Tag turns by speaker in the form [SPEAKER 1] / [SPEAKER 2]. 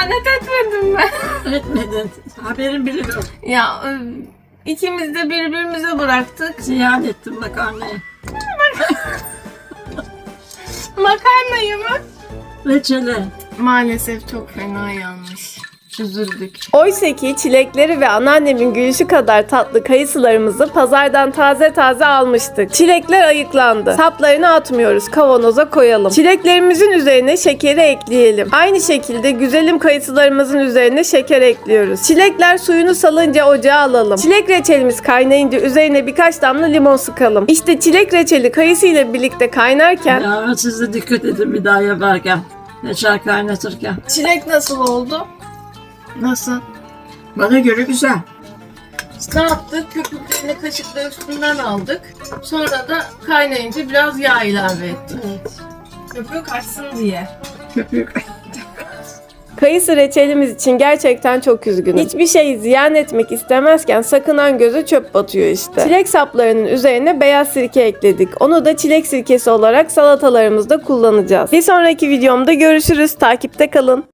[SPEAKER 1] ihanet etmedim mi?
[SPEAKER 2] Etmedin. Haberin bile yok.
[SPEAKER 1] Ya ikimiz de birbirimize bıraktık.
[SPEAKER 2] Ziyan ettim makarnayı.
[SPEAKER 1] Makarnayı mı?
[SPEAKER 2] Reçele.
[SPEAKER 1] Maalesef çok fena yanlış. Üzüldük.
[SPEAKER 3] Oysa ki çilekleri ve anneannemin gülüşü kadar tatlı kayısılarımızı pazardan taze taze almıştık. Çilekler ayıklandı. Saplarını atmıyoruz. Kavanoza koyalım. Çileklerimizin üzerine şekeri ekleyelim. Aynı şekilde güzelim kayısılarımızın üzerine şeker ekliyoruz. Çilekler suyunu salınca ocağa alalım. Çilek reçelimiz kaynayınca üzerine birkaç damla limon sıkalım. İşte çilek reçeli kayısı ile birlikte kaynarken
[SPEAKER 2] Ya siz de dikkat edin bir daha yaparken. Reçel kaynatırken.
[SPEAKER 1] Çilek nasıl oldu? Nasıl?
[SPEAKER 2] Bana göre güzel.
[SPEAKER 1] Ne yaptık? Köpüklerini kaşıkla üstünden aldık. Sonra da kaynayınca biraz yağ ilave ettik. Köpüğü kaçsın diye.
[SPEAKER 2] Köpük.
[SPEAKER 3] kayısı reçelimiz için gerçekten çok üzgünüm. Hiçbir şeyi ziyan etmek istemezken sakınan göze çöp batıyor işte. Çilek saplarının üzerine beyaz sirke ekledik. Onu da çilek sirkesi olarak salatalarımızda kullanacağız. Bir sonraki videomda görüşürüz. Takipte kalın.